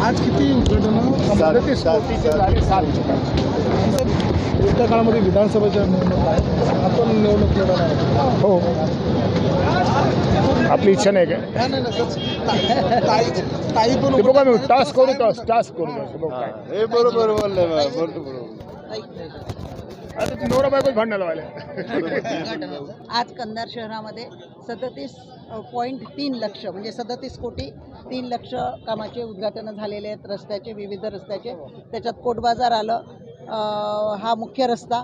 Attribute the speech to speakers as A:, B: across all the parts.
A: आज किती उद्घाटनं झाले 7 येत्या काळामध्ये विधानसभेच्या निवडणूक आहे, आपण निवडणूक लढवणार आहोत.
B: हो, आपली इच्छा नाही काय
A: ताई पण
B: ते बघा, मी टास्क करू टास्क करू
C: हे बरोबर बोलले बरोबर.
B: आता ते नवरा बायकोच भांडणाला आले.
D: आज कंधार शहरामध्ये 37.3 लक्ष म्हणजे 37 कोटी 3 लक्ष कामाचे उद्घाटन झालेले आहेत. रस्त्याचे, विविध रस्त्याचे, त्याच्यात कोट बाजार आलं, हा मुख्य रस्ता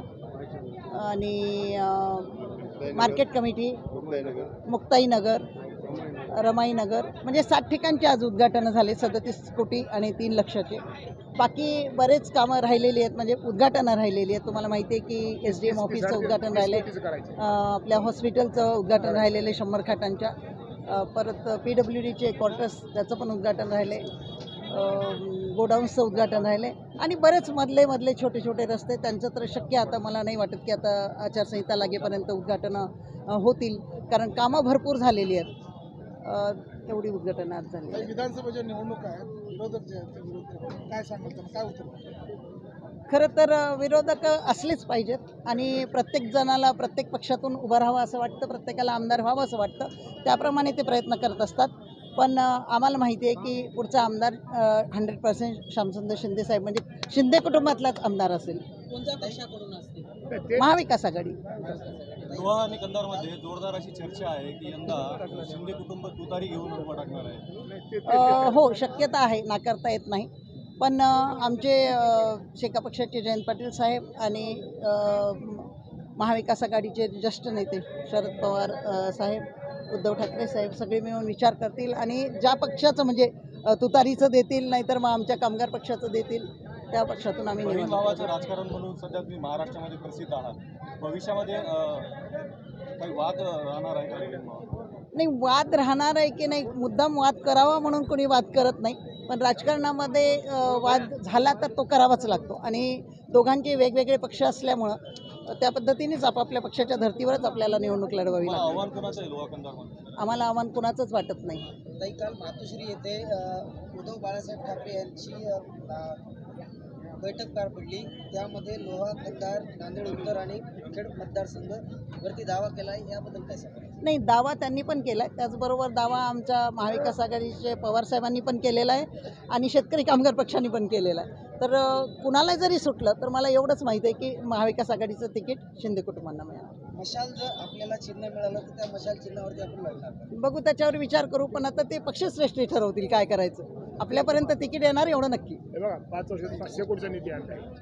D: आणि मार्केट कमिटी, मुक्ताईनगर, रमाईनगर, म्हणजे 60 ठिकाणचे आज उद्घाटनं झाले 37 कोटी आणि 3 लक्षाचे. बाकी बरेच कामं राहिलेली आहेत, म्हणजे उद्घाटनं राहिलेली आहेत. तुम्हाला माहिती आहे की SDM ऑफिसचं उद्घाटन राहिलं आहे, आपल्या हॉस्पिटलचं उद्घाटन राहिलेलं आहे 100 खाटांच्या, परत PWDचे क्वार्टर्स त्याचं पण उद्घाटन राहिलं आहे, गोडाऊन्सचं उद्घाटन राहिले आणि बरेच मधले छोटे छोटे रस्ते, त्यांचं तर शक्य आता मला नाही वाटत की आता आचारसंहिता लागेपर्यंत उद्घाटनं होतील, कारण कामं भरपूर झालेली आहेत. एवढी उद्घाटनं आज झाली.
A: विधानसभेच्या निवडणूक आहेत, विरोधक जे आहेत ते विरोध करतात. काय सांगाल त्यांना, काय उत्तर?
D: खरं तर विरोधक असलेच पाहिजेत आणि प्रत्येक जणाला प्रत्येक पक्षातून उभं राहावं असं वाटतं, प्रत्येकाला आमदार व्हावं असं वाटतं, त्याप्रमाणे ते प्रयत्न करत असतात. पण आम्हाला माहिती आहे की पुढचा आमदार 100% श्यामसुंदर शिंदे साहेब, म्हणजे शिंदे कुटुंबातलाच आमदार असेल. कोणत्या पक्षाकडून असतील? महाविकास आघाडी.
E: लोहा आणि कंधारमध्ये जोरदार अशी चर्चा आहे की यंदा शिंदे कुटुंब तुतारी घेऊन उभं टाकणार आहे.
D: हो, शक्यता आहे, नाकारता येत नाही. पण आमचे शेका पक्षाचे जयंत पाटील साहेब आणि महाविकास आघाडीचे ज्येष्ठ नेते शरद पवार साहेब, उद्धव ठाकरे साहेब सगळे मिळून विचार करतील आणि ज्या पक्षाचं म्हणजे तुतारीचं देतील, नाहीतर मग आमच्या कामगार पक्षाचं देतील, त्या पक्षातून आम्ही
E: बहीण
D: निवडू.
E: भावाचं राजकारण म्हणून सध्या तुम्ही महाराष्ट्रामध्ये प्रसिद्ध आहात. भविष्यामध्ये काही वाद राहणार आहे का बहीण भावात?
D: नाही, वाद राहणार आहे की नाही, मुद्दाम वाद करावा म्हणून कोणी वाद करत नाही, पण राजकारणामध्ये वाद झाला तर तो करावाच लागतो आणि दोघांचे वेगवेगळे पक्ष असल्यामुळं त्या पद्धतीनेच आपापल्या पक्षाच्या धर्तीवरच आपल्याला निवडणूक लढवावी लागते.
E: आव्हान कोणाचं आहे लोहा कंधारमध्ये?
D: आम्हाला आव्हान कुणाचंच वाटत नाही.
F: ताई, काल मातोश्री येथे उद्धव बाळासाहेब ठाकरे यांची बैठक पार पडली. त्यामध्ये लोहा, कंधार, नांदेड उत्तर आणि खेड मतदारसंघ वरती दावा केला आहे, याबद्दल काय सांगा?
D: नाही, दावा त्यांनी पण केला आहे, त्याचबरोबर दावा आमच्या महाविकास आघाडीचे पवारसाहेबांनी पण केलेला आहे आणि शेतकरी कामगार पक्षांनी पण केलेला आहे. तर कुणाला जरी सुटलं तर मला एवढंच माहिती आहे की महाविकास आघाडीचं तिकीट शिंदे कुटुंबांना मिळालं.
F: मशाल जर आपल्याला चिन्ह मिळालं तर त्या मशाल चिन्हावरती आपण लढणार.
D: बघू, त्याच्यावर विचार करू, पण आता ते पक्षश्रेष्ठी ठरवतील काय करायचं. आपल्यापर्यंत तिकीट येणार एवढं नक्की.
B: हे बघा, 5 वर्षात 500 कोटीचा निधी आणलाय.